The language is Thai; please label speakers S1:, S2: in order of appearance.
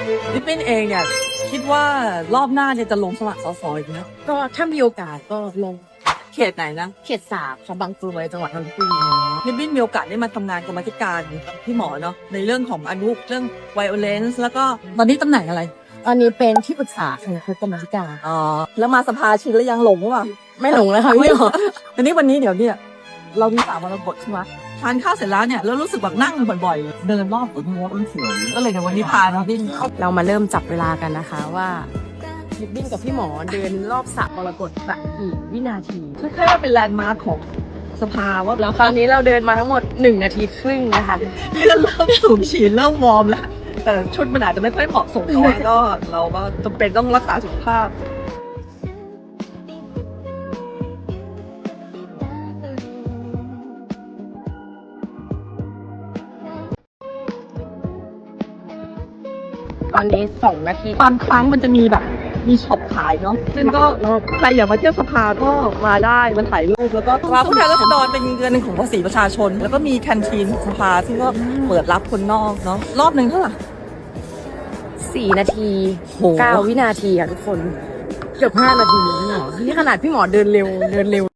S1: ลิปปิ้นเองเนี่ยคิดว่ารอบหน้าเนี่ยจะลงสมัครสสอีกไหม
S2: ก็ถ้ามีโอกาสก็ลง
S1: เขตไหนนะ
S2: เขต3ค่ะบางกรวยจังหวัดนนทบุรี
S1: ลิปปิ้นมีโอกาสได้มาทำงานกรรมาธิการพี่หมอเนาะในเรื่องของอนุเรื่อง violence แล้วก็ตอนนี้ตำแหน่งอะไร
S2: อันนี้เป็นที่ปรึกษาค่ะคือกรรมธิการ
S1: อ๋อแล้วมาสภาชินแล้วยังหลงหรือเปล่า
S2: ไม่หลงแล้วค่ะ
S1: ไม่
S2: พี่
S1: หรอทีนี้วันนี้เดี๋ยวเนี่ยเรามี3 มรกตใช่ไหมทานข้าวเสร็จแล้วเนี่ยแล้วรู้สึกแบบนั่งบ่อยๆเดินรอบหัวม้วนเฉยก็เลยในวันนี้พาเราดิ้น
S2: เรามาเริ่มจับเวลากันนะคะว่าลิบบิ้นกับพี่หมอเดินรอบสระมรกตแบบกี่วินาที
S1: แค่ว่าเป็นแลนด์มาร์คของสภาว่า
S2: แล้วคราวนี้เราเดินมาทั้งหมด1 นาทีครึ่งนะคะ
S1: เริ่มสูงฉีดเริ่มวอร์มแล้วแต่ชุดมันอาจจะไม่ค่อยเหมาะสมเท่าไหร่ก็เราก็จำเป็นต้องรักษาสุขภาพ
S2: ตอนนี้2 นาที
S1: บางครั้งมันจะมีแบบมีช็อปขายเนาะซึ่งก็ใครอยากมาเที่ยวสภาก็มาได้มาถ่ายรูปแล้วก็สภาผู้แทนราษฎรเป็นเงินของภาษีประชาชน แล้วก็มีแคนทีนของสภาซึ่งก็เปิดรับคนนอกเนาะรอบหนึ่งเท่าไหร่
S2: 4 นาที
S1: โห
S2: 9 วินาทีค่ะทุกคนเกือบ5 นาทีพี่หมอนี่ขนาดพี่หมอเดินเร็ว